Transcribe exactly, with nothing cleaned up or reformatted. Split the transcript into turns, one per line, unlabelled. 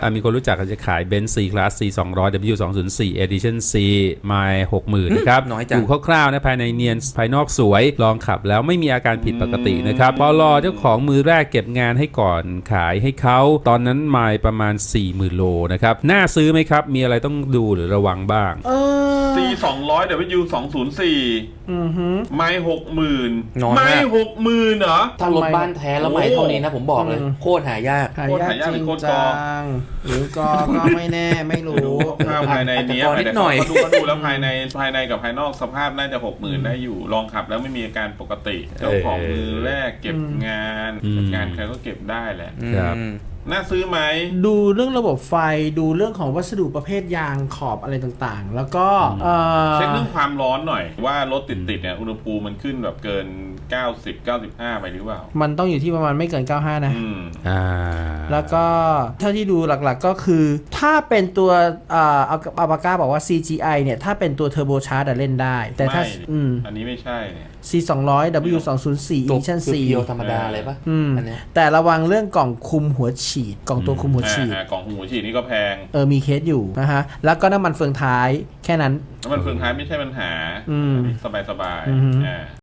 มีคนรู้จักกันจะขาย Benz C-Class ซี สองร้อย ดับเบิลยู สองศูนย์สี่ Edition C ไมล์ หกหมื่น นะครับดูคร่าวๆนะภายในเนียนภายนอกสวยลองขับแล้วไม่มีอาการผิดปกตินะครับปลเจ้าของมือแรกเก็บงานให้ก่อนขายให้เขาตอนนั้นไมล์ประมาณ สี่หมื่น โลนะครับน่าซื้อไหมครับมีอะไรต้องดูหรือระวังบ้าง
C สองร้อย ดับเบิลยู สองศูนย์สี่
อือฮึ
ไม่หกหมื่น
น้อยมาก
ไม่หกหมื่นเหรอ
ถ้ารถบ้านแท้แล้วไม่เท่านี้นะผมบอกเลย
อืม
โคตรหายาก
หายากจริงจังหรือกอก็ไม่แน่ไม่รู้
ดูคร่าวๆภายในนี้
อาจจะพอนิดหน่อย
เขาดูเขาดูแล้วภายในภายในกับภายนอกสภาพน่าจะหกหมื่นได้อยู่ลองขับแล้วไม่มีอาการปกติเจ้าของมือแรกเก็บงาน
อืม
งานใครก็เก็บได้แหละ
ครับ
อืม
น่าซื้อไหม
ดูเรื่องระบบไฟดูเรื่องของวัสดุประเภทยางขอบอะไรต่างๆ แล้วก็เอ่อ
เช็คเรื่องความร้อนหน่อยว่ารถติดๆเนี่ยอุณหภูมิมันขึ้นแบบเกินเก้าสิบ เก้าสิบห้าไปหรือเปล่า
มันต้องอยู่ที่ประมาณไม่เกินเก้าสิบห้านะ
อืม
อ่า
แล้วก็เท่าที่ดูหลักๆก็คือ ถ้าเป็นตัวอ่าเอาอาบาก้าบอกว่า ซี จี ไอ เนี่ย ถ้าเป็นตัวเทอร์โบชาร์จเล่นได้ แต่ถ้า
ไม่
อืม
อันนี้ไม่ใช่เนี่ย
ซี สองร้อย ดับเบิลยู สองศูนย์สี่
ตัว
Edition
คือ
C
เพียวธรรมดาเลยปะ
อืม
อันเนี้ย
แต่ระวังเรื่องกล่องคุมหัวฉีด กล่องตัวคุมหัวฉีด
อ่ากล่องหูฉีดนี่ก็แพง
เออ มีเคสอยู่นะฮะ แล้วก็น้ำมันเฟืองท้ายแค่นั้น
แล้วมันเฟืองท้ายไม่ใช่ปัญหา
อืม
สบายสบายๆ
อือฮึ
อ่า